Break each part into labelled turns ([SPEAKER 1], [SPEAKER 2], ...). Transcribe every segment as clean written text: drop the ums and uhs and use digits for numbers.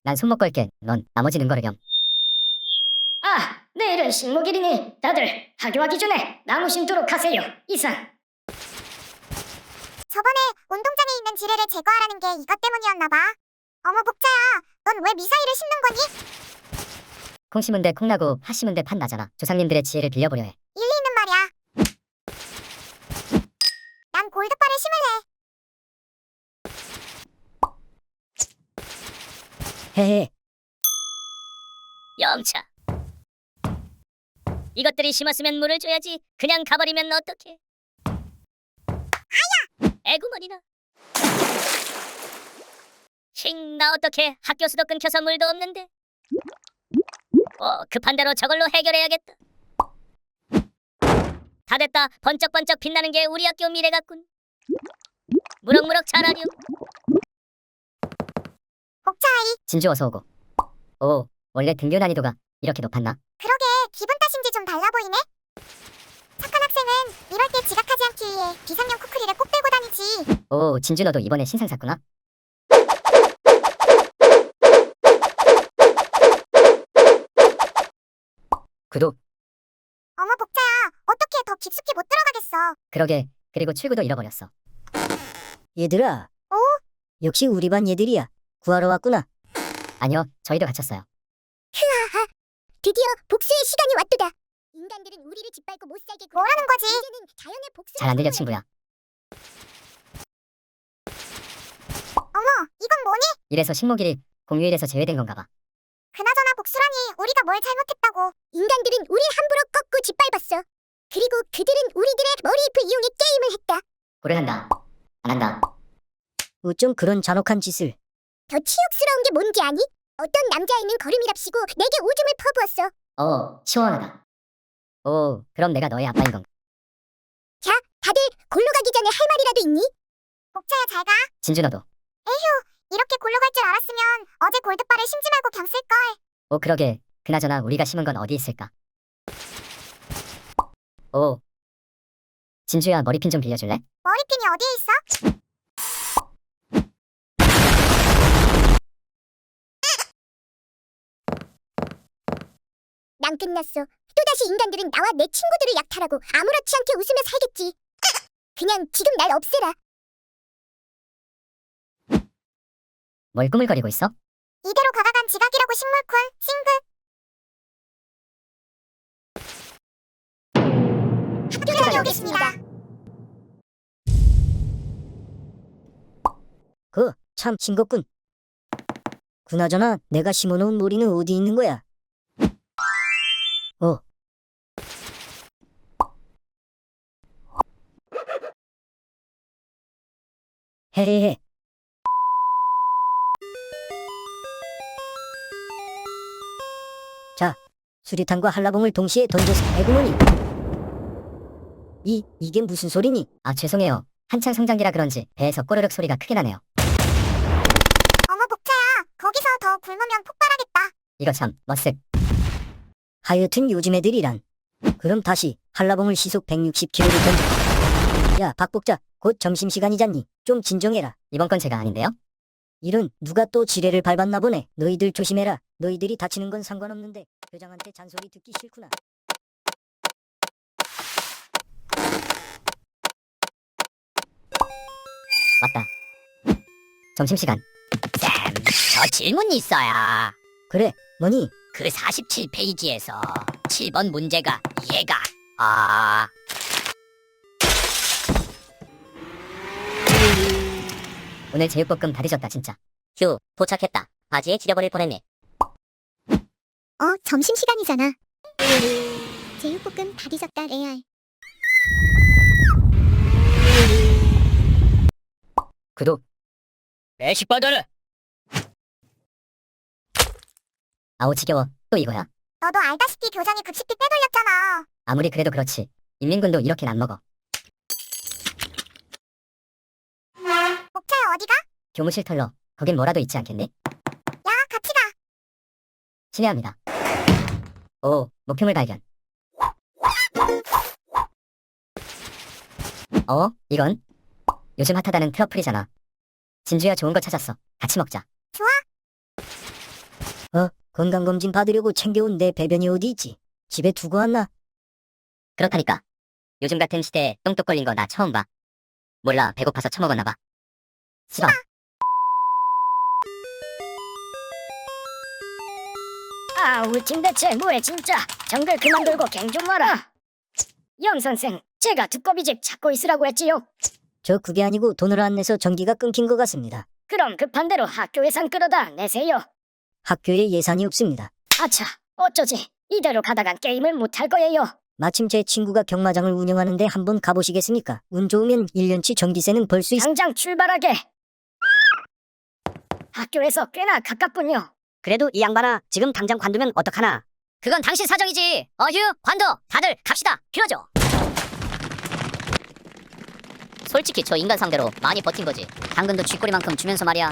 [SPEAKER 1] 난 손목 걸게. 넌 나머지는 걸으렴.
[SPEAKER 2] 아, 내일은 식목일이니 다들 학교하기 전에 나무 심도록 하세요. 이상.
[SPEAKER 3] 저번에 운동장에 있는 지뢰를 제거하라는 게 이것 때문이었나 봐. 어머 복자야, 넌 왜 미사일을 심는 거니?
[SPEAKER 1] 콩 심은 데 콩 나고 팥 심은 데 팥 나잖아. 조상님들의 지혜를 빌려보려 해.
[SPEAKER 3] 일리 있는 말이야. 난 골드바를 심을래.
[SPEAKER 1] 헤헤.
[SPEAKER 2] 영차. 이것들이 심었으면 물을 줘야지. 그냥 가버리면 어떡해. 아야! 애구머리나. 나 어떡해. 학교 수도 끊겨서 물도 없는데. 급한 대로 저걸로 해결해야겠다. 다 됐다. 번쩍번쩍 빛나는 게 우리 학교 미래 같군. 무럭무럭 자라렴.
[SPEAKER 3] 복자아이,
[SPEAKER 1] 진주 어서 오고. 오, 원래 등교 난이도가 이렇게 높았나?
[SPEAKER 3] 그러게 기분 탓인지 좀 달라 보이네. 착한 학생은 이럴 때 지각하지 않기 위해 비상용 쿠크리를 꼭 들고 다니지.
[SPEAKER 1] 오, 진주 너도 이번에 신상 샀구나. 구독.
[SPEAKER 3] 어머 복자야, 어떻게 더 깊숙이 못 들어가겠어.
[SPEAKER 1] 그러게. 그리고 출구도 잃어버렸어.
[SPEAKER 4] 얘들아. 역시 우리 반 얘들이야. 구하러 왔구나.
[SPEAKER 1] 아니요, 저희도 갇혔어요.
[SPEAKER 3] 드디어 복수의 시간이 왔도다. 인간들은 우리를 짓밟고 못 살게 뭐라는 거지? 이제는 자연의 복수를
[SPEAKER 1] 잘 안 들려,
[SPEAKER 3] 선포해.
[SPEAKER 1] 친구야.
[SPEAKER 3] 어머, 이건 뭐니?
[SPEAKER 1] 이래서 식목일이 공휴일에서 제외된 건가 봐.
[SPEAKER 3] 그나저나 복수라니 우리가 뭘 잘못했다고. 인간들은 우리 함부로 꺾고 짓밟았어. 그리고 그들은 우리들의 머리잎을 이용해 게임을 했다.
[SPEAKER 1] 고를 한다. 안 한다.
[SPEAKER 4] 어쩜 그런 잔혹한 짓을.
[SPEAKER 3] 더 치욕스러운 게 뭔지 아니? 어떤 남자아이는 걸음이랍시고 내게 오줌을 퍼부었어.
[SPEAKER 1] 시원하다. 오, 그럼 내가 너의 아빠인 건가?
[SPEAKER 3] 자, 다들 골로 가기 전에 할 말이라도 있니? 복자야 잘 가.
[SPEAKER 1] 진주 너도.
[SPEAKER 3] 이렇게 골로 갈 줄 알았으면 어제 골드바를 심지 말고 그냥 쓸걸.
[SPEAKER 1] 오, 그러게. 그나저나 우리가 심은 건 어디 있을까? 오, 진주야, 머리핀 좀 빌려줄래?
[SPEAKER 3] 머리핀이 어디에 있어? 난 끝났어. 또다시 인간들은 나와 내 친구들을 약탈하고 아무렇지 않게 웃으며 살겠지. 그냥 지금 날 없애라.
[SPEAKER 1] 뭘 꾸물거리고 있어?
[SPEAKER 3] 이대로 가다간 지각이라고 식물쿨 싱글. 학교 다녀오겠습니다.
[SPEAKER 4] 참 싱겁군. 그나저나 내가 심어놓은 모리는 어디 있는 거야? 헤헤헤. 자, 수류탄과 한라봉을 동시에 던져서 애구머니. 이게 무슨 소리니?
[SPEAKER 1] 아, 죄송해요. 한창 성장기라 그런지 배에서 꼬르륵 소리가 크게 나네요.
[SPEAKER 3] 어머 복자야, 거기서 더 굶으면 폭발하겠다.
[SPEAKER 1] 이거 참, 머쓱.
[SPEAKER 4] 하여튼 요즘 애들이란. 그럼 다시 한라봉을 시속 160km를 던져. 야, 박복자, 곧 점심시간이잖니. 좀 진정해라.
[SPEAKER 1] 이번 건 제가 아닌데요?
[SPEAKER 4] 이런 누가 또 지뢰를 밟았나 보네. 너희들 조심해라. 너희들이 다치는 건 상관없는데 교장한테 잔소리 듣기 싫구나.
[SPEAKER 1] 맞다. 점심시간.
[SPEAKER 2] 쌤, 저 질문 있어요.
[SPEAKER 4] 그래, 뭐니?
[SPEAKER 2] 그 47페이지에서 7번 문제가 얘가
[SPEAKER 1] 오늘 제육볶음 다 뒤졌다, 진짜.
[SPEAKER 2] 휴, 도착했다. 바지에 지려버릴 뻔했네.
[SPEAKER 3] 점심시간이잖아. 제육볶음 다 뒤졌다 레알.
[SPEAKER 1] 구독.
[SPEAKER 2] 매식 받아라.
[SPEAKER 1] 아우, 지겨워. 또 이거야.
[SPEAKER 3] 너도 알다시피 교장이 급식비 빼돌렸잖아.
[SPEAKER 1] 아무리 그래도 그렇지. 인민군도 이렇게는 안 먹어.
[SPEAKER 3] 복자야 어디가?
[SPEAKER 1] 교무실 털러. 거긴 뭐라도 있지 않겠니?
[SPEAKER 3] 야 같이 가.
[SPEAKER 1] 친애합니다. 오, 목표물 발견. 이건? 요즘 핫하다는 트러플이잖아. 진주야, 좋은 거 찾았어. 같이 먹자.
[SPEAKER 3] 좋아.
[SPEAKER 4] 건강검진 받으려고 챙겨온 내 배변이 어디 있지? 집에 두고 왔나?
[SPEAKER 1] 그렇다니까. 요즘 같은 시대에 똥똑 걸린 거 나 처음 봐. 몰라, 배고파서 처먹었나 봐. 싫어.
[SPEAKER 2] 아, 우리 팀 대체 뭐해 진짜. 정글 그만 돌고 갱 좀 와라. 염 선생, 제가 두꺼비집 찾고 있으라고 했지요.
[SPEAKER 4] 저 그게 아니고 돈을 안 내서 전기가 끊긴 것 같습니다.
[SPEAKER 2] 그럼 급한 대로 학교 예산 끌어다 내세요.
[SPEAKER 4] 학교에 예산이 없습니다.
[SPEAKER 2] 아차, 어쩌지? 이대로 가다간 게임을 못 할 거예요.
[SPEAKER 4] 마침 제 친구가 경마장을 운영하는데 한번 가보시겠습니까? 운 좋으면 1년치 전기세는 벌 수 있...
[SPEAKER 2] 당장 출발하게. 학교에서 꽤나 가깝군요.
[SPEAKER 4] 그래도 이 양반아, 지금 당장 관두면 어떡하나?
[SPEAKER 1] 그건 당신 사정이지. 어휴, 관둬. 다들 갑시다. 길어져. 솔직히 저 인간 상대로 많이 버틴 거지. 당근도 쥐꼬리만큼 주면서 말이야.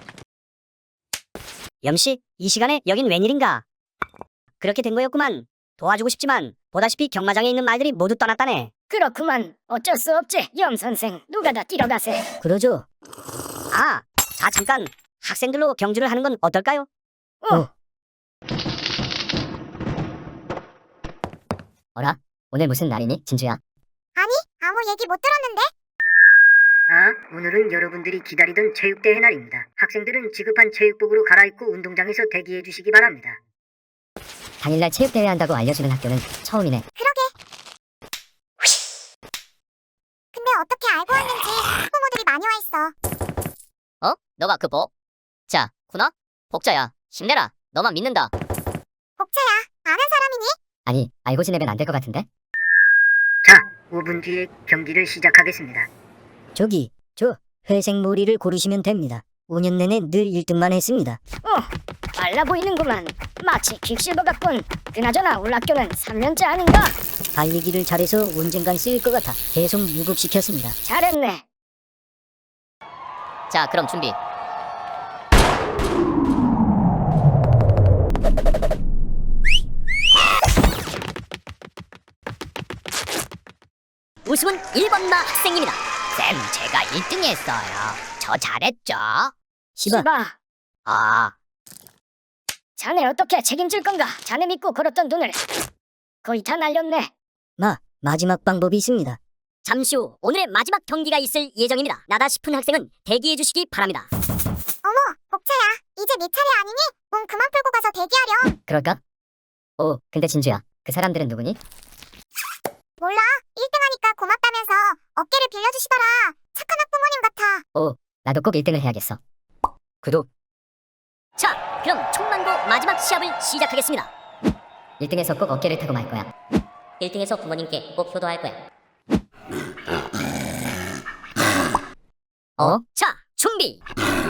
[SPEAKER 4] 염씨, 이 시간에 여긴 웬일인가? 그렇게 된 거였구만. 도와주고 싶지만 보다시피 경마장에 있는 말들이 모두 떠났다네.
[SPEAKER 2] 그렇구만. 어쩔 수 없지. 염 선생, 누가 다 뛰어가세.
[SPEAKER 4] 그러죠. 아, 자 잠깐. 학생들로 경주를 하는 건 어떨까요?
[SPEAKER 1] 어라? 오늘 무슨 날이니, 진주야?
[SPEAKER 3] 아니, 아무 얘기 못 들었는데?
[SPEAKER 4] 아, 오늘은 여러분들이 기다리던 체육대회 날입니다. 학생들은 지급한 체육복으로 갈아입고 운동장에서 대기해 주시기 바랍니다.
[SPEAKER 1] 당일날 체육대회 한다고 알려주는 학교는 처음이네.
[SPEAKER 3] 근데 어떻게 알고 왔는지 학부모들이 많이 와 있어.
[SPEAKER 1] 어? 너가 그 복? 자, 구나? 복자야. 힘내라. 너만 믿는다.
[SPEAKER 3] 복차야, 아는 사람이니?
[SPEAKER 1] 아니, 알고 지내면 안 될 것 같은데?
[SPEAKER 4] 자, 5분 뒤에 경기를 시작하겠습니다. 저기, 저 회색 머리를 고르시면 됩니다. 5년 내내 늘 1등만 했습니다.
[SPEAKER 2] 빨라 보이는구만. 마치 퀵실버 같군. 그나저나 우리 학교는 3년째 아닌가?
[SPEAKER 4] 달리기를 잘해서 언젠간 쓰일 것 같아 계속 유급시켰습니다.
[SPEAKER 2] 잘했네.
[SPEAKER 1] 자, 그럼 준비. 우승은 1번마 학생입니다. 쌤, 제가 1등 했어요. 저 잘했죠?
[SPEAKER 4] 시바,
[SPEAKER 2] 시바,
[SPEAKER 1] 아,
[SPEAKER 2] 자네 어떻게 책임질 건가? 자네 믿고 걸었던 돈을 거의 다 날렸네.
[SPEAKER 4] 마지막 방법이 있습니다.
[SPEAKER 1] 잠시 후 오늘의 마지막 경기가 있을 예정입니다. 나다 싶은 학생은 대기해 주시기 바랍니다.
[SPEAKER 3] 어머, 복차야, 이제 네 차례 아니니? 몸 그만 풀고 가서 대기하렴.
[SPEAKER 1] 그럴까? 오, 근데 진주야, 그 사람들은 누구니?
[SPEAKER 3] 몰라, 1등 하니까 고맙다면서 어깨를 빌려주시더라. 착한 학부모님 같아.
[SPEAKER 1] 나도 꼭 1등을 해야겠어. 구독.
[SPEAKER 2] 자, 그럼 총망고 마지막 시합을 시작하겠습니다.
[SPEAKER 1] 1등에서 꼭 어깨를 타고 말 거야.
[SPEAKER 2] 1등에서 부모님께 꼭 효도할 거야. 자, 준비.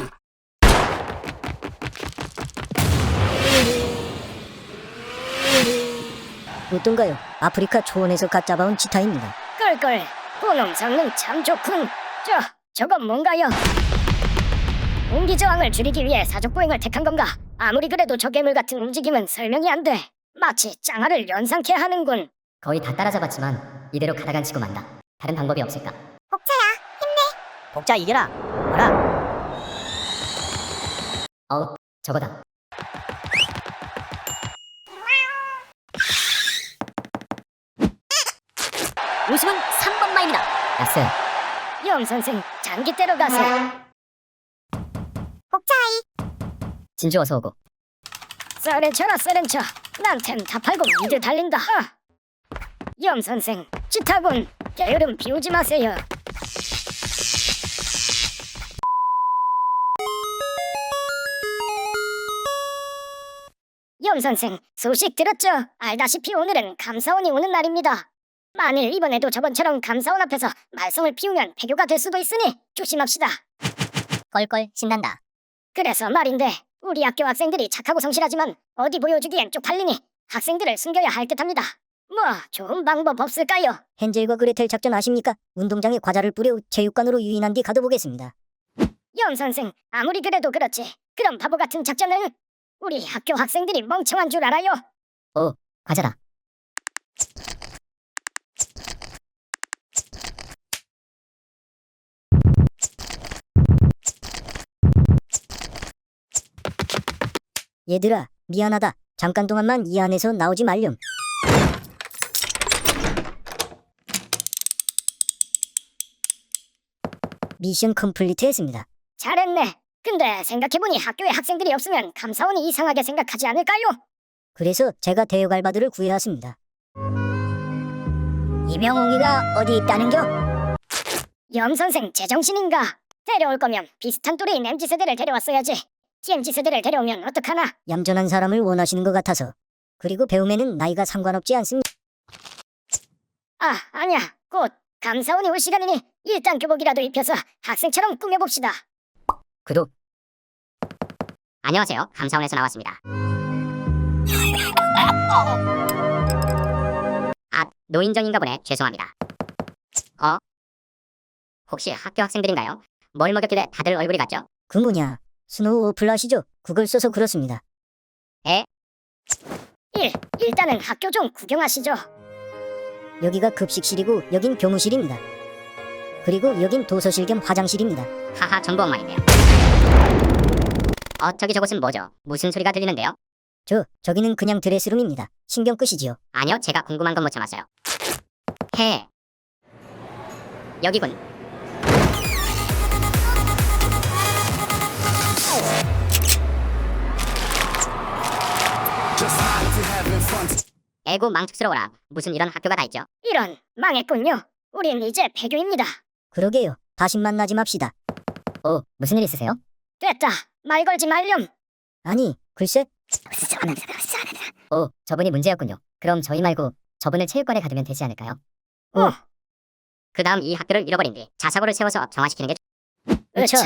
[SPEAKER 4] 어떤가요? 아프리카 초원에서 갓 잡아온 치타입니다.
[SPEAKER 2] 껄껄. 그놈 성능 참 좋군. 저건 뭔가요? 온기 저항을 줄이기 위해 사족 보행을 택한 건가? 아무리 그래도 저 괴물 같은 움직임은 설명이 안 돼. 마치 짱아를 연상케 하는군.
[SPEAKER 1] 거의 다 따라잡았지만 이대로 가다간 치고 만다. 다른 방법이 없을까?
[SPEAKER 3] 복차야,
[SPEAKER 4] 복자 이겨라. 뭐라?
[SPEAKER 1] 저거다.
[SPEAKER 2] 우승은 3번마입니다.
[SPEAKER 1] 야스,
[SPEAKER 2] 염 선생, 장기 때려 가세.
[SPEAKER 3] 복차이.
[SPEAKER 1] 진주 어서 오고.
[SPEAKER 2] 썰렌쳐라 썰렌쳐. 난템 다 팔고 미드 달린다. 염 선생, 찌타군. 게으름 비우지 마세요. 염 선생, 소식 들었죠? 알다시피 오늘은 감사원이 오는 날입니다. 만일 이번에도 저번처럼 감사원 앞에서 말썽을 피우면 폐교가 될 수도 있으니 조심합시다.
[SPEAKER 1] 껄껄 신난다.
[SPEAKER 2] 그래서 말인데 우리 학교 학생들이 착하고 성실하지만 어디 보여주기엔 쪽팔리니 학생들을 숨겨야 할 듯합니다. 뭐 좋은 방법 없을까요?
[SPEAKER 4] 헨젤과 그레텔 작전 아십니까? 운동장에 과자를 뿌려 체육관으로 유인한 뒤 가둬보겠습니다.
[SPEAKER 2] 염 선생, 아무리 그래도 그렇지. 그런 바보 같은 작전을 우리 학교 학생들이 멍청한 줄 알아요?
[SPEAKER 1] 과자다.
[SPEAKER 4] 얘들아, 미안하다. 잠깐 동안만 이 안에서 나오지 말렴. 미션 컴플리트 했습니다.
[SPEAKER 2] 잘했네. 근데 생각해보니 학교에 학생들이 없으면 감사원이 이상하게 생각하지 않을까요?
[SPEAKER 4] 그래서 제가 대역 알바들을 구해왔습니다. 이명웅이가 어디 있다는겨?
[SPEAKER 2] 염 선생 제정신인가? 데려올 거면 비슷한 또래인 MZ세대를 데려왔어야지. TMZ세대를 데려오면 어떡하나?
[SPEAKER 4] 얌전한 사람을 원하시는 것 같아서. 그리고 배움에는 나이가 상관없지 않습니다.
[SPEAKER 2] 아, 아니야. 곧 감사원이 올 시간이니 일단 교복이라도 입혀서 학생처럼 꾸며봅시다.
[SPEAKER 1] 구독. 안녕하세요. 감사원에서 나왔습니다. 아, 노인정인가 보네. 죄송합니다. 혹시 학교 학생들인가요? 뭘 먹였길래 다들 얼굴이 같죠?
[SPEAKER 4] 그 뭐냐, 스노우 어플 아시죠? 그걸 써서 그렇습니다.
[SPEAKER 2] 일단은 학교 좀 구경하시죠.
[SPEAKER 4] 여기가 급식실이고 여긴 교무실입니다. 그리고 여긴 도서실 겸 화장실입니다.
[SPEAKER 1] 하하, 전부 엉망이네요. 저기 저곳은 뭐죠? 무슨 소리가 들리는데요?
[SPEAKER 4] 저기는 그냥 드레스룸입니다. 신경 끄시지요.
[SPEAKER 1] 아니요, 제가 궁금한 건 못 참았어요. 여기군. 에고 망측스러워라. 무슨 이런 학교가 다 있죠?
[SPEAKER 2] 이런, 망했군요. 우린 이제 폐교입니다.
[SPEAKER 4] 그러게요. 다시 만나지 맙시다.
[SPEAKER 1] 무슨 일 있으세요?
[SPEAKER 2] 됐다. 말 걸지 말렴.
[SPEAKER 4] 아니, 글쎄.
[SPEAKER 1] 저분이 문제였군요. 그럼 저희 말고 저분을 체육관에 가두면 되지 않을까요? 그 다음 이 학교를 잃어버린 뒤 자사고를 세워서 정화시키는 게
[SPEAKER 2] 으차.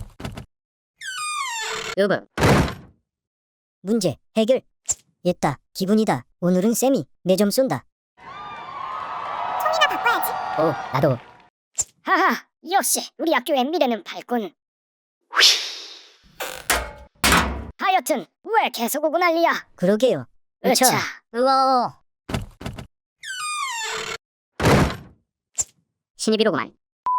[SPEAKER 1] 으브.
[SPEAKER 4] 문제 해결. 옛다. 기분이다. 오늘은 쌤이 내 점 쏜다.
[SPEAKER 3] 총이나 바꿔야지.
[SPEAKER 1] 나도.
[SPEAKER 2] 하하, 역시 우리 학교의 미래는 밝군. 하여튼 왜 계속 오고 난리야?
[SPEAKER 4] 그러게요.
[SPEAKER 2] 으차.
[SPEAKER 1] 우와. 신입이로구만.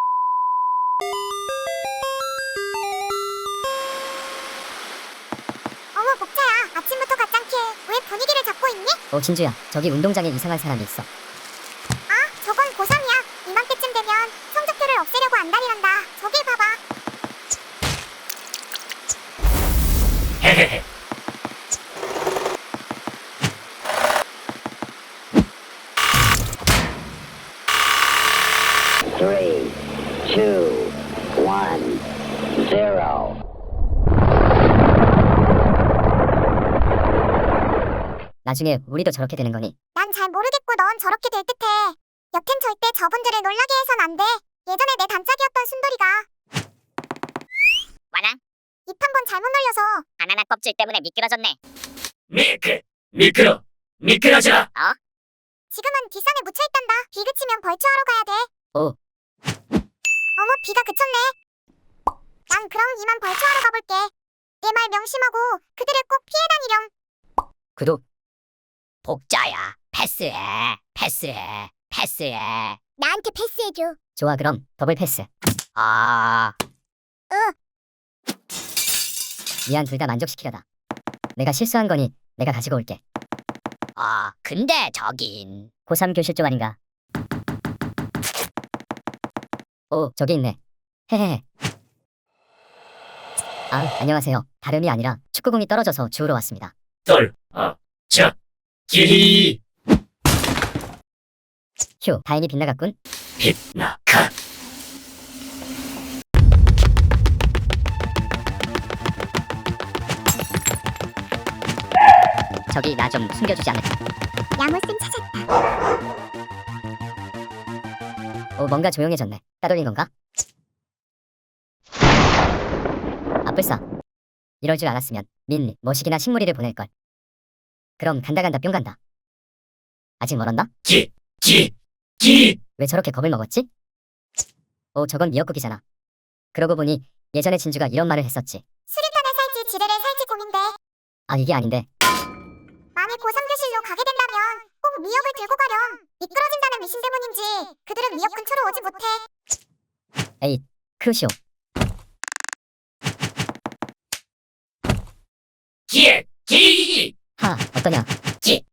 [SPEAKER 3] 어머 복자야. 아침부터 가짱게 왜 분위기를 잡고 있니?
[SPEAKER 1] 진주야, 저기 운동장에 이상한 사람이 있어.
[SPEAKER 3] 아, 저건 고3이야. 이맘때쯤 되면 성적표를 없애려고 안달이란다. 저길 봐봐.
[SPEAKER 5] Three, two, one, zero.
[SPEAKER 1] 나중에 우리도 저렇게 되는 거니?
[SPEAKER 3] 난 잘 모르겠고 넌 저렇게 될 듯해. 여튼 절대 저분들을 놀라게 해선 안 돼. 예전에 내 단짝이었던 순돌이가
[SPEAKER 1] 와나?
[SPEAKER 3] 입 한 번 잘못 놀려서
[SPEAKER 1] 바나나 껍질 때문에 미끄러졌네.
[SPEAKER 5] 미끄러져.
[SPEAKER 3] 지금은 뒷산에 묻혀있단다. 비 그치면 벌초하러 가야 돼. 어머 비가 그쳤네. 난 그럼 이만 벌초하러 가볼게. 내 말 명심하고 그들을 꼭 피해 다니렴.
[SPEAKER 1] 구독. 복자야, 패스해.
[SPEAKER 3] 나한테 패스해줘.
[SPEAKER 1] 좋아, 그럼 더블 패스. 미안, 둘 다 만족시키려다. 내가 실수한 거니 내가 가지고 올게. 근데 저긴 고3 교실 쪽 아닌가? 저기 있네. 헤헤헤. 안녕하세요. 다름이 아니라 축구공이 떨어져서 주우러 왔습니다.
[SPEAKER 5] 기
[SPEAKER 1] 휴, 다행히 빗나갔군.
[SPEAKER 5] 빛나가.
[SPEAKER 1] 저기 나 좀 숨겨주지 않을까?
[SPEAKER 3] 야무쌤 찾았다.
[SPEAKER 1] 뭔가 조용해졌네. 따돌린 건가? 아뿔싸. 이럴 줄 알았으면 민리, 머시기나 식물이를 보낼걸. 그럼 간다 뿅 간다. 아직 멀었나?
[SPEAKER 5] 기
[SPEAKER 1] 왜 저렇게 겁을 먹었지? 저건 미역국이잖아. 그러고 보니 예전에 진주가 이런 말을 했었지.
[SPEAKER 3] 수류탄을 살지 지뢰를 살지 고민돼.
[SPEAKER 1] 이게 아닌데.
[SPEAKER 3] 만약 고3 교실로 가게 된다면 꼭 미역을 들고 가렴. 미끄러진다는 미신 때문인지 그들은 미역 근처로 오지 못해.
[SPEAKER 1] 에이, 크루시오.
[SPEAKER 5] 기
[SPEAKER 1] 하, 어떠냐?
[SPEAKER 5] 찌.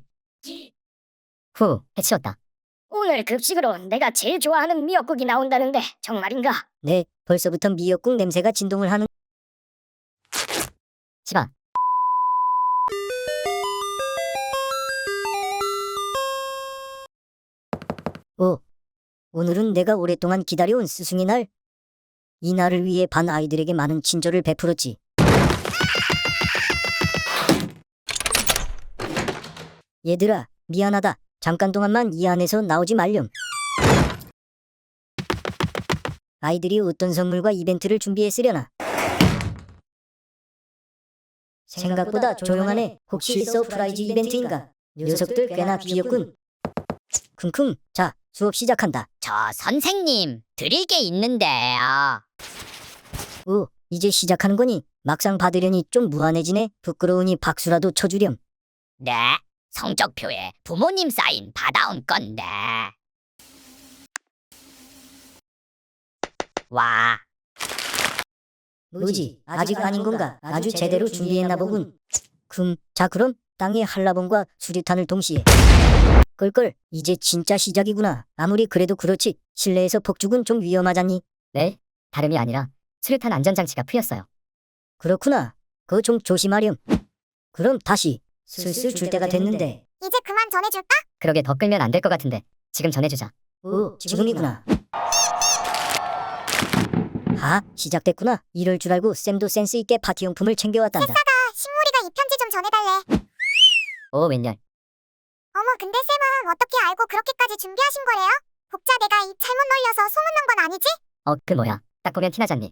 [SPEAKER 1] 후, 해치웠다.
[SPEAKER 2] 오늘 급식으로 내가 제일 좋아하는 미역국이 나온다는데 정말인가?
[SPEAKER 4] 네, 벌써부터 미역국 냄새가 진동을 하는.
[SPEAKER 1] 시바,
[SPEAKER 4] 오, 오늘은 내가 오랫동안 기다려온 스승의 날. 이 날을 위해 반 아이들에게 많은 친절을 베풀었지. 얘들아, 미안하다. 잠깐 동안만 이 안에서 나오지 말렴. 아이들이 어떤 선물과 이벤트를 준비했으려나? 생각보다 조용하네. 혹시 서프라이즈 이벤트인가? 녀석들 꽤나 귀엽군. 킁킁. 자, 수업 시작한다.
[SPEAKER 1] 저 선생님, 드릴 게 있는데요.
[SPEAKER 4] 오, 이제 시작하는 거니? 막상 받으려니 좀 무한해지네. 부끄러우니 박수라도 쳐주렴.
[SPEAKER 1] 네, 성적표에 부모님 사인 받아온 건데. 와,
[SPEAKER 4] 뭐지? 아직 아닌 건가? 아주 제대로 준비했나 보군. 자 그럼 땅에 한라봉과 수류탄을 동시에. 껄껄, 이제 진짜 시작이구나. 아무리 그래도 그렇지. 실내에서 폭죽은 좀 위험하잖니?
[SPEAKER 1] 네, 다름이 아니라 수류탄 안전장치가 풀렸어요.
[SPEAKER 4] 그렇구나. 그거 좀 조심하렴. 그럼 다시. 슬슬 줄 때가 됐는데.
[SPEAKER 3] 이제 그만 전해줄까?
[SPEAKER 1] 그러게 더 끌면 안 될 것 같은데 지금 전해주자.
[SPEAKER 4] 오, 지금이구나. 아, 시작됐구나. 이럴 줄 알고 쌤도 센스 있게 파티용품을 챙겨왔단다.
[SPEAKER 3] 식물이가 이 편지 좀 전해달래.
[SPEAKER 1] 오, 웬열.
[SPEAKER 3] 어머, 근데 쌤은 어떻게 알고 그렇게까지 준비하신 거래요? 복자 내가 입 잘못 놀려서 소문난 건 아니지?
[SPEAKER 1] 그 뭐야, 딱 보면 티나잖니.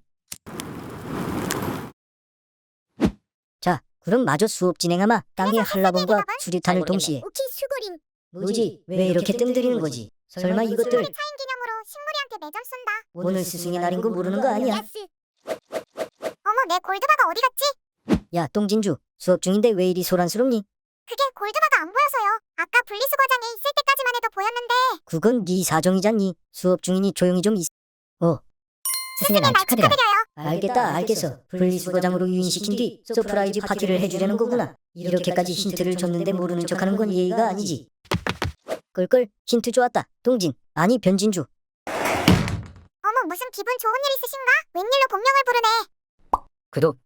[SPEAKER 4] 자, 그럼 마저 수업 진행하마. 땅에 한라봉과 수류탄을 동시에.
[SPEAKER 3] 오키 수고링.
[SPEAKER 4] 뭐지? 왜 이렇게 뜸들이는 거지? 설마 이것들
[SPEAKER 3] 차인 기념으로 식물이한테 매점 쏜다.
[SPEAKER 4] 오늘 스승의 날인 거 모르는 거 아니야?
[SPEAKER 3] 야스. 어머, 내 골드바가 어디 갔지?
[SPEAKER 4] 야, 똥진주. 수업 중인데 왜 이리 소란스럽니?
[SPEAKER 3] 그게 골드바가 안 보여서요. 아까 분리수거장에 있을 때까지만 해도 보였는데.
[SPEAKER 4] 그건 네 사정이잖니. 수업 중이니 조용히 좀 있어.
[SPEAKER 1] 스승의 날 축하드려요.
[SPEAKER 4] 알겠다, 알겠어. 분리수거장으로 유인시킨 뒤 서프라이즈 파티를 해주려는 거구나. 이렇게까지 힌트를 줬는데 모르는 척하는 건 예의가 아니지. 껄껄, 힌트 좋았다. 동진, 아니 변진주.
[SPEAKER 3] 어머, 무슨 기분 좋은 일 있으신가? 웬일로 본명을 부르네.
[SPEAKER 1] 구독.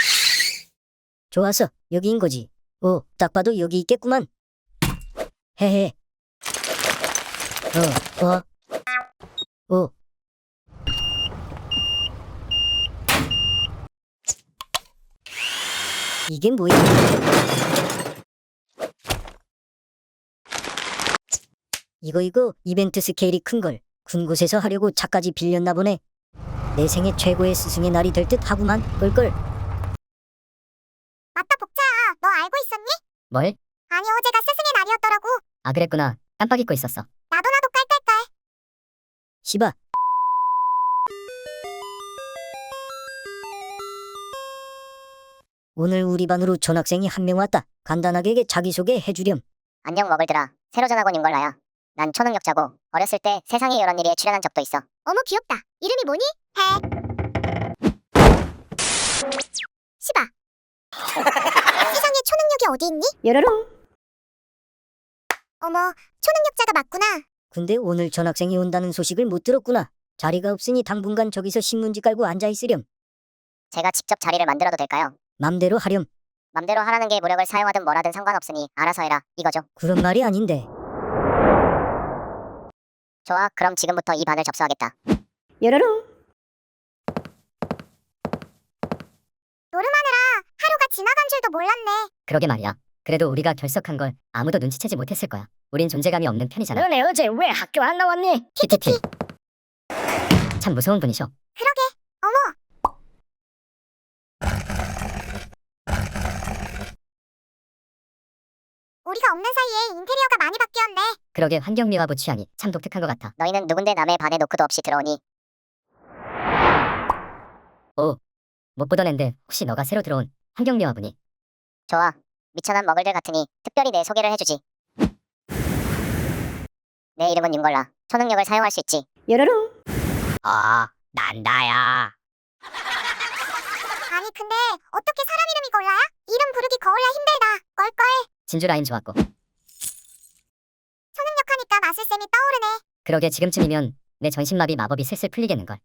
[SPEAKER 4] 좋았어, 여기인 거지. 오, 딱 봐도 여기 있겠구만. 헤헤. 오. 이게 뭐야? 이거 이벤트 스케일이 큰걸 군 곳에서 하려고 차까지 빌렸나 보네. 내 생애 최고의 스승의 날이 될 듯 하구만. 껄껄.
[SPEAKER 3] 맞다, 복자야. 너 알고 있었니?
[SPEAKER 1] 뭘?
[SPEAKER 3] 아니, 어제가 스승의 날이었더라고.
[SPEAKER 1] 아, 그랬구나. 깜빡 잊고 있었어.
[SPEAKER 3] 나도 깔깔깔.
[SPEAKER 4] 시바. 오늘 우리 반으로 전학생이 한 명 왔다. 간단하게 자기소개 해주렴.
[SPEAKER 6] 안녕 먹을들아. 새로 전학 온 윤걸라야. 난 초능력자고 어렸을 때 세상의 이런 일에 출연한 적도 있어.
[SPEAKER 3] 어머, 귀엽다. 이름이 뭐니? 시바. 세상에 초능력이 어디 있니?
[SPEAKER 4] 여러롱.
[SPEAKER 3] 어머, 초능력자가 맞구나.
[SPEAKER 4] 근데 오늘 전학생이 온다는 소식을 못 들었구나. 자리가 없으니 당분간 저기서 신문지 깔고 앉아있으렴.
[SPEAKER 6] 제가 직접 자리를 만들어도 될까요?
[SPEAKER 4] 맘대로 하렴.
[SPEAKER 6] 맘대로 하라는 게 무력을 사용하든 뭐라든 상관없으니 알아서 해라 이거죠.
[SPEAKER 4] 그런 말이 아닌데.
[SPEAKER 6] 좋아, 그럼 지금부터 이 반을 접수하겠다.
[SPEAKER 4] 여러롱.
[SPEAKER 3] 노름하느라 하루가 지나간 줄도 몰랐네.
[SPEAKER 1] 그러게 말이야. 그래도 우리가 결석한 걸 아무도 눈치채지 못했을 거야. 우린 존재감이 없는 편이잖아.
[SPEAKER 2] 너네 어제 왜 학교 안 나왔니?
[SPEAKER 1] 키키키. 참 무서운 분이셔.
[SPEAKER 3] 그러게. 어머, 우리가 없는 사이에 인테리어가 많이 바뀌었네.
[SPEAKER 1] 그러게 환경미화부 취향이 참 독특한 것 같아.
[SPEAKER 6] 너희는 누군데 남의 반에 노크도 없이 들어오니?
[SPEAKER 1] 못 보던 앤데 혹시 너가 새로 들어온 환경미화부니?
[SPEAKER 6] 좋아, 미천한 먹을들 같으니 특별히 내 소개를 해주지. 내 이름은 윤걸라. 초능력을 사용할 수 있지.
[SPEAKER 4] 여러롱.
[SPEAKER 1] 난다야.
[SPEAKER 3] 아, 아니 근데 어떻게 사람 이름이 걸라야? 이름 부르기 거울라 힘들다. 껄껄.
[SPEAKER 1] 진주 라인 좋았고.
[SPEAKER 3] 초능력하니까 마술쌤이 떠오르네.
[SPEAKER 1] 그러게 지금쯤이면 내 전신마비 마법이 슬슬 풀리겠는걸.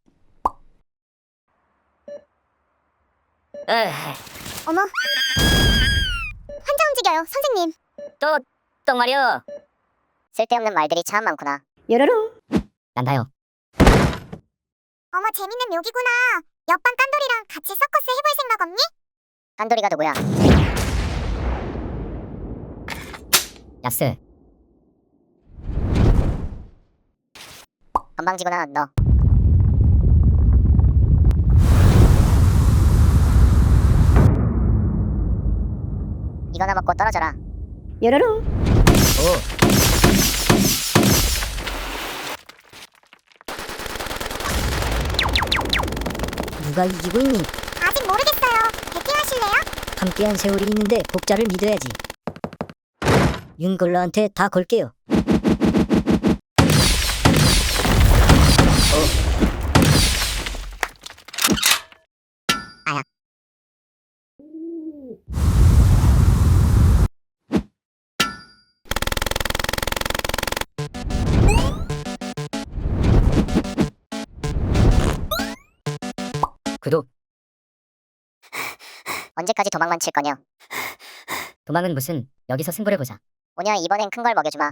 [SPEAKER 3] 어머. 환자 움직여요, 선생님.
[SPEAKER 2] 또 말이야.
[SPEAKER 6] 쓸데없는 말들이 참 많구나.
[SPEAKER 2] 요로롱.
[SPEAKER 1] 난다요.
[SPEAKER 3] 어머 재밌는 묘기구나. 옆반 깐돌이랑 같이 서커스 해볼 생각 없니?
[SPEAKER 6] 깐돌이가 누구야?
[SPEAKER 1] 야스.
[SPEAKER 6] 건방지구나 너. 이거나 먹고 떨어져라.
[SPEAKER 2] 요로롱.
[SPEAKER 1] 오.
[SPEAKER 4] 누가 이기고 있니?
[SPEAKER 3] 아직 모르겠어요. 배팅하실래요?
[SPEAKER 4] 함께한 세월이 있는데 복자를 믿어야지. 윤걸러한테 다 걸게요.
[SPEAKER 1] 구독.
[SPEAKER 6] 언제까지 도망만 칠 거냐?
[SPEAKER 1] 도망은 무슨, 여기서 승부를 보자.
[SPEAKER 6] 오냐 이번엔 큰 걸 먹여주마.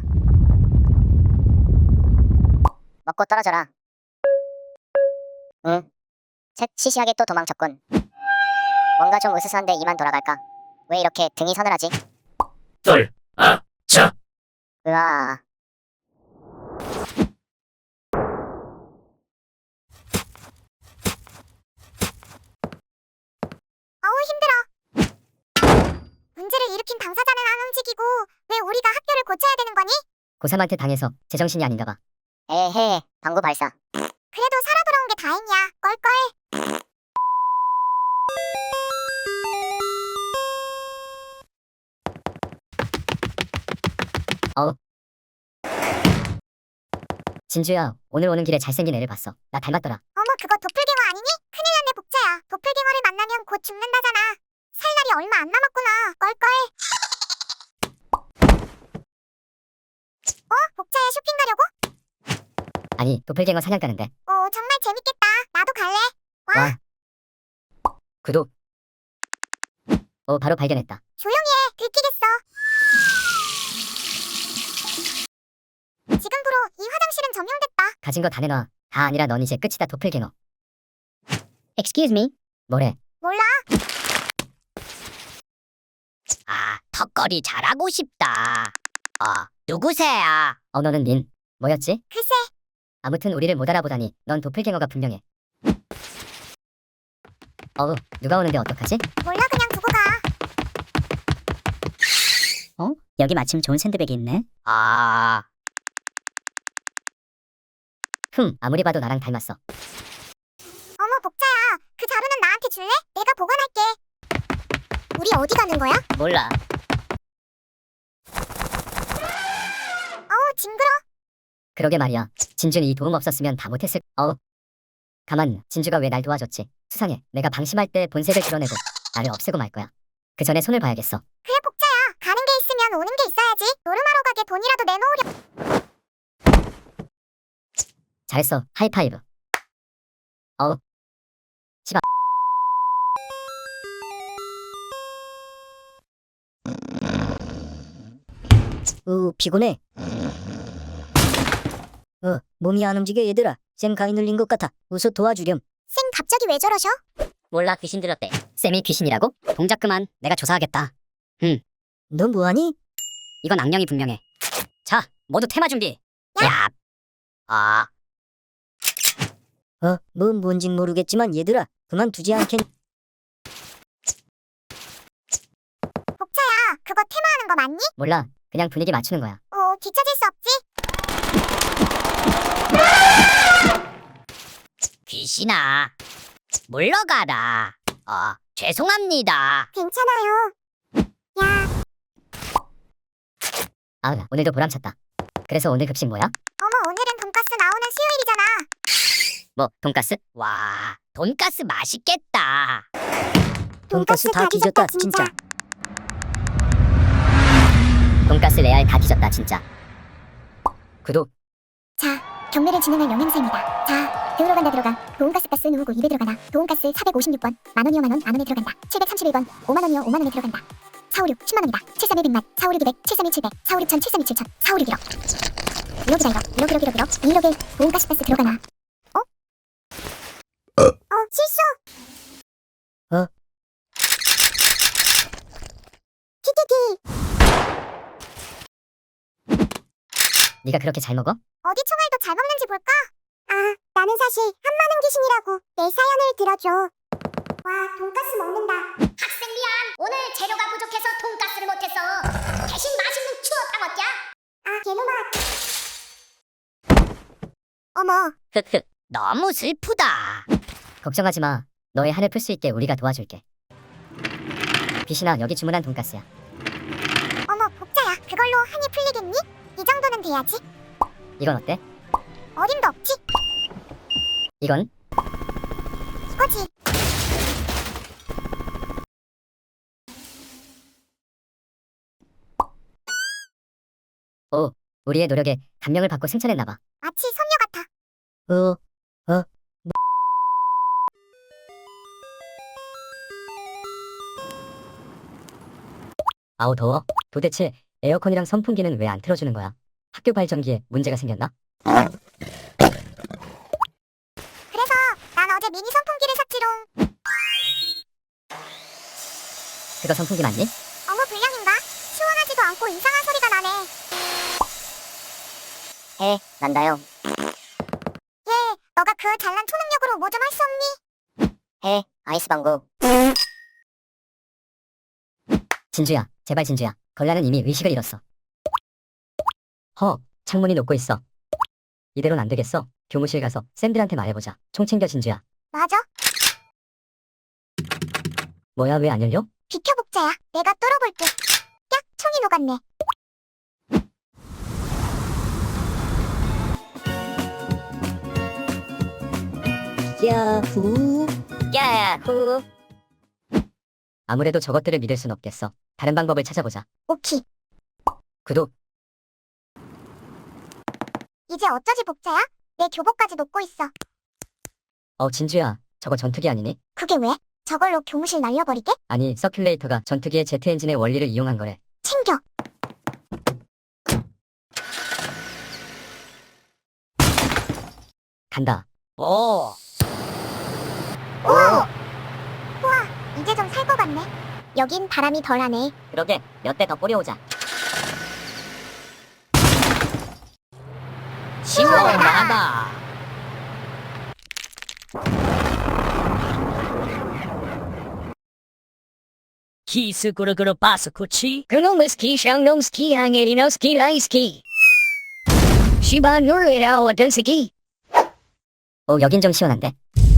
[SPEAKER 6] 먹고 떨어져라. 응. 셋 시시하게 또 도망쳤군. 뭔가 좀 으스스한데 이만 돌아갈까? 왜 이렇게 등이 서늘하지?
[SPEAKER 5] 자.
[SPEAKER 6] 으아.
[SPEAKER 3] 어우 힘들어. 문제를 일으킨 당사자는 안 움직이고 왜 우리가 학교를 고쳐야 되는 거니?
[SPEAKER 1] 고3한테 당해서 제정신이 아닌가 봐.
[SPEAKER 6] 에헤 방구 발사.
[SPEAKER 3] 그래도 살아 돌아온 게 다행이야. 껄껄.
[SPEAKER 1] 진주야, 오늘 오는 길에 잘생긴 애를 봤어. 나 닮았더라.
[SPEAKER 3] 어머 그거 도플갱어 아니니? 큰일 났네 복자야. 도플갱어를 만나면 곧 죽는다잖아. 살 날이 얼마 안 남았구나. 껄껄. 복자야 쇼핑 가려고?
[SPEAKER 1] 아니, 도플갱어 사냥 가는데.
[SPEAKER 3] 오 정말 재밌겠다. 나도 갈래. 와.
[SPEAKER 1] 와. 구독. 오, 바로 발견했다.
[SPEAKER 3] 조용히 해. 들키겠어. 지금부로 이 화장실은 점령됐다.
[SPEAKER 1] 가진 거 다 내놔. 다 아니라 넌 이제 끝이다, 도플갱어.
[SPEAKER 2] Excuse me.
[SPEAKER 1] 뭐래?
[SPEAKER 3] 몰라.
[SPEAKER 2] 아, 턱걸이 잘하고 싶다. 누구세요?
[SPEAKER 1] 너는 민. 뭐였지?
[SPEAKER 3] 글쎄.
[SPEAKER 1] 아무튼 우리를 못 알아보다니 넌 도플갱어가 분명해. 누가 오는데 어떡하지?
[SPEAKER 3] 몰라 그냥 두고 가.
[SPEAKER 4] 여기 마침 좋은 샌드백이 있네.
[SPEAKER 1] 아무리 봐도 나랑 닮았어.
[SPEAKER 3] 어머 복자야. 그 자루는 나한테 줄래? 내가 보관할게. 우리 어디 가는 거야?
[SPEAKER 2] 몰라.
[SPEAKER 3] 어우 징그러.
[SPEAKER 1] 그러게 말이야. 진주는 이 도움 없었으면 다 못했을. 가만, 진주가 왜 날 도와줬지? 수상해. 내가 방심할 때 본색을 드러내고 나를 없애고 말 거야. 그 전에 손을 봐야겠어.
[SPEAKER 3] 그래 복자야. 가는 게 있으면 오는 게 있어야지. 노름하러 가게 돈이라도 내놓으려.
[SPEAKER 1] 잘했어. 하이파이브.
[SPEAKER 4] 피곤해. 몸이 안 움직여 얘들아. 쌤 가위 눌린 것 같아. 우서 도와주렴.
[SPEAKER 3] 쌤 갑자기 왜 저러셔?
[SPEAKER 2] 몰라 귀신 들었대.
[SPEAKER 1] 쌤이 귀신이라고?
[SPEAKER 2] 동작 그만. 내가 조사하겠다.
[SPEAKER 4] 너 뭐하니?
[SPEAKER 2] 이건 악령이 분명해. 자, 모두 테마 준비. 야.
[SPEAKER 4] 뭔진 모르겠지만 얘들아, 그만두지 않겠.
[SPEAKER 3] 복자야. 그거 테마하는 거 맞니?
[SPEAKER 1] 몰라. 그냥 분위기 맞추는 거야.
[SPEAKER 3] 뒤처질 수 없지.
[SPEAKER 2] 귀신아, 물러가라. 죄송합니다.
[SPEAKER 3] 괜찮아요. 야.
[SPEAKER 1] 오늘도 보람찼다. 그래서 오늘 급식 뭐야?
[SPEAKER 3] 어머 오늘은 돈가스 나오는 수요일이잖아.
[SPEAKER 1] 뭐, 돈가스?
[SPEAKER 2] 와, 돈가스 맛있겠다.
[SPEAKER 4] 돈가스 다 뒤졌다 진짜.
[SPEAKER 1] 돈가스 레알 다 뒤졌다 진짜. 구독.
[SPEAKER 3] 자, 경매를 진행할 영양사입니다. 자, 들어간다. 돈가스 누르고 입에 들어가나. 돈가스 456번. 만원이요 만원 안원에 들어간다. 731번. 5만원이요 5만원에 들어간다. 456 10만원이다. 731 100만. 456 200. 731 700. 456 1000 732 7000. 456 1억. 1억이다 이거. 1억. 2억에 돈가스 들어가나. 실수. 키키키.
[SPEAKER 1] 네가 그렇게 잘 먹어?
[SPEAKER 3] 어디 총알도 잘 먹는지 볼까? 아, 나는 사실 한마는 귀신이라고 내 사연을 들어줘. 와, 돈가스 먹는다. 학생 미안. 오늘 재료가 부족해서 돈가스를 못했어. 대신 맛있는 추어탕 어때? 아, 개놈아. 어머,
[SPEAKER 1] 흑흑. 너무 슬프다. 걱정하지 마. 너의 한을 풀 수 있게 우리가 도와줄게. 빛이나 여기 주문한 돈가스야.
[SPEAKER 3] 어머, 복자야. 그걸로 한이 풀리겠니? 이 정도는 돼야지.
[SPEAKER 1] 이건 어때?
[SPEAKER 3] 어림도 없지.
[SPEAKER 1] 이건?
[SPEAKER 3] 이거지.
[SPEAKER 1] 오, 우리의 노력에 감명을 받고 승천했나봐.
[SPEAKER 3] 마치 선녀 같아.
[SPEAKER 1] 아우 더워. 도대체 에어컨이랑 선풍기는 왜 안 틀어주는 거야? 학교 발전기에 문제가 생겼나?
[SPEAKER 3] 그래서 난 어제 미니 선풍기를 샀지롱.
[SPEAKER 1] 그거 선풍기 맞니?
[SPEAKER 3] 어머, 불량인가? 시원하지도 않고 이상한 소리가 나네.
[SPEAKER 6] 해 난다요.
[SPEAKER 3] 얘, 너가 그 잘난 초능력으로 뭐 좀 할 수 없니?
[SPEAKER 6] 해 아이스 방구.
[SPEAKER 1] 진주야, 제발 진주야. 걸라는 이미 의식을 잃었어. 창문이 녹고 있어. 이대로는 안 되겠어. 교무실 가서 쌤들한테 말해보자. 총 챙겨 진주야.
[SPEAKER 3] 맞아.
[SPEAKER 1] 뭐야 왜 안 열려?
[SPEAKER 3] 비켜, 복자야. 내가 뚫어볼게. 야, 총이 녹았네.
[SPEAKER 4] 야후.
[SPEAKER 6] 야후.
[SPEAKER 1] 아무래도 저것들을 믿을 순 없겠어. 다른 방법을 찾아보자.
[SPEAKER 3] 오키.
[SPEAKER 1] 구독.
[SPEAKER 3] 이제 어쩌지, 복자야? 내 교복까지 녹고 있어.
[SPEAKER 1] 진주야. 저거 전투기 아니니?
[SPEAKER 3] 그게 왜? 저걸로 교무실 날려버리게?
[SPEAKER 1] 아니, 서큘레이터가 전투기의 제트 엔진의 원리를 이용한 거래.
[SPEAKER 3] 챙겨.
[SPEAKER 1] 간다.
[SPEAKER 6] 오.
[SPEAKER 3] 우와, 이제 좀 살 것 같네. 여긴 바람이 덜하네.
[SPEAKER 6] 그러게 몇 대 더 뿌려오자.
[SPEAKER 3] 시원하다.
[SPEAKER 7] 키스꾸르꾸르 바스쿠치 그놈스키 샹놈스키 항에리노스키 라이스키 시바누르라오 던스키
[SPEAKER 1] 여긴 좀 시원한데?